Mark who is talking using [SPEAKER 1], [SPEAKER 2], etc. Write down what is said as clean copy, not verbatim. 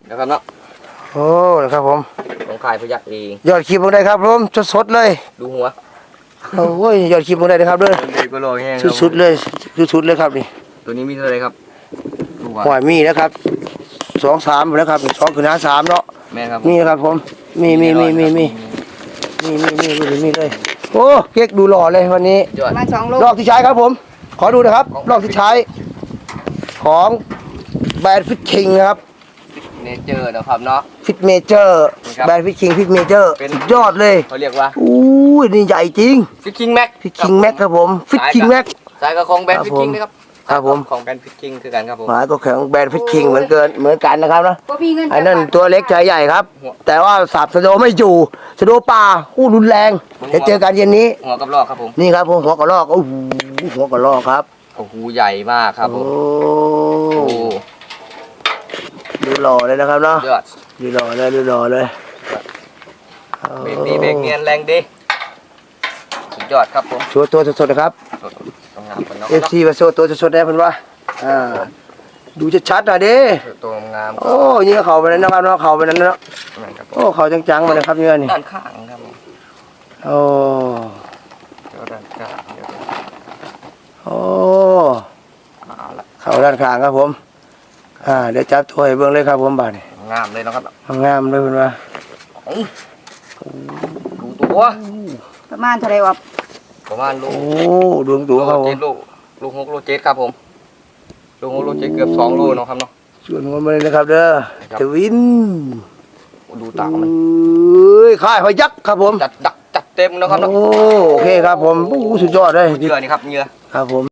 [SPEAKER 1] นะครับเนาะ
[SPEAKER 2] โอ้นะครับผม
[SPEAKER 1] ของขายพยักเอง
[SPEAKER 2] ยอดคลิปลงได้ครับผมสดๆเลย
[SPEAKER 1] ดูหัว
[SPEAKER 2] โอ้ยยอดคลิปลงได้นะครับเด้อ
[SPEAKER 1] เด็กก็รอแห้ง
[SPEAKER 2] สุดๆเลยสุดๆเลยครับนี่
[SPEAKER 1] ตัวนี้มีเท่าไรครับดูหัว
[SPEAKER 2] หอยมีนะครับ2-3แล้วครับ2คือ3เนาะ
[SPEAKER 1] แม่ครับ
[SPEAKER 2] มีนะครับผมมีเลยโอ้เก๊กดูหล่อเลยวันนี้
[SPEAKER 1] ยอด
[SPEAKER 3] มา2 โล
[SPEAKER 2] รอบที่ใช้ครับผมขอดูนะครับรอบที่ใช้ของแบรนด์ฟิตคิงนะครับ
[SPEAKER 1] เนเจอร์นะครับเนาะ
[SPEAKER 2] ฟิตเมเจอร์
[SPEAKER 1] ครับ
[SPEAKER 2] แบรนด์ฟิตคิงฟิตเมเจอร์
[SPEAKER 1] เป็น
[SPEAKER 2] สุดยอดเลย
[SPEAKER 1] เขาเรียกว่า
[SPEAKER 2] อู้ยนี่ใหญ่จริง
[SPEAKER 1] ฟิตคิงแม็ก
[SPEAKER 2] ฟิตคิงแม็กครับผมฟิตคิงแม็ก
[SPEAKER 1] สายกับของแบรนด์
[SPEAKER 2] ครับ
[SPEAKER 1] ฟิตคิงนะครับ
[SPEAKER 2] ครับผม
[SPEAKER 1] ของแบรนด์ฟิตคิงคือกันครับผม
[SPEAKER 2] หมายก็แข็งแบรนด์ฟิตคิงเหมือนกันนะครับนะ
[SPEAKER 3] บ่มีเงิน
[SPEAKER 2] ไอ้นั่นตัวเล็กใจใหญ่ครับ แต่ว่าสับสะโดไม่อยู่สะโดป่าอู้รุนแรงเดี๋ยวเจอกันเย็นนี้
[SPEAKER 1] หัวกับลอกครับผม
[SPEAKER 2] นี่ครับผมหัวกระรอกโอ้โหหัวกระรอกครับ
[SPEAKER 1] โอ้โหใหญ่มากครับผม
[SPEAKER 2] โอ้
[SPEAKER 1] โอ้
[SPEAKER 2] ดูหล่อเลยนะครับเนาะ
[SPEAKER 1] ยอด
[SPEAKER 2] ดูหล่อเลยดูหล่อเลย
[SPEAKER 1] เบรกดีเบรกเนียนแรงดีสุดยอดครับผม
[SPEAKER 2] โชว์ตัวสดๆนะครับ
[SPEAKER 1] ต้องงามกันเนาะ
[SPEAKER 2] FC มาโชว์ตัวสดๆได้เพิ่นว่าดูชัดๆหน่อยดิ
[SPEAKER 1] ตัวงาม
[SPEAKER 2] โอ้ยิงเขาไปนั้นนะครับเนาะเขาไปนั้นเนาะ
[SPEAKER 1] ครับผม
[SPEAKER 2] โอ้เขาจังๆมาเลยครับเนี่ยนี่
[SPEAKER 1] ด้านข้างครับผม
[SPEAKER 2] โอ้
[SPEAKER 1] ด้านข้างเดี๋ยว
[SPEAKER 2] โอ้
[SPEAKER 1] เอาละ
[SPEAKER 2] เขาด้านข้างครับผมเดี๋ยวจับตัวให้เบิ่งเลยครับผมบาดนี่
[SPEAKER 1] งามเลยนะครับ
[SPEAKER 2] งามเลยเพิ่นว่า
[SPEAKER 1] ดูตัว
[SPEAKER 3] ประมาณเท่าไหร่วะ
[SPEAKER 1] ประมาณลู
[SPEAKER 2] โอ้
[SPEAKER 1] ก
[SPEAKER 2] ดวงตัวครับผม
[SPEAKER 1] ลูก6 โล 7ครับผมลูก6 โล 7เกือบ2 โลเนาะครับเนาะ
[SPEAKER 2] ส่วนหัวมันเลยนะครับเด้อ
[SPEAKER 1] ครับ
[SPEAKER 2] ทวิน
[SPEAKER 1] ดูตามัน
[SPEAKER 2] เอ้ยค่ายพยักครับผม
[SPEAKER 1] จัดเต็มนะครับเนาะ
[SPEAKER 2] โอ้โอเคครับผมโอ้สุดยอดเลย
[SPEAKER 1] เหยื่อนี่ครับเหยื่อ
[SPEAKER 2] ครับผม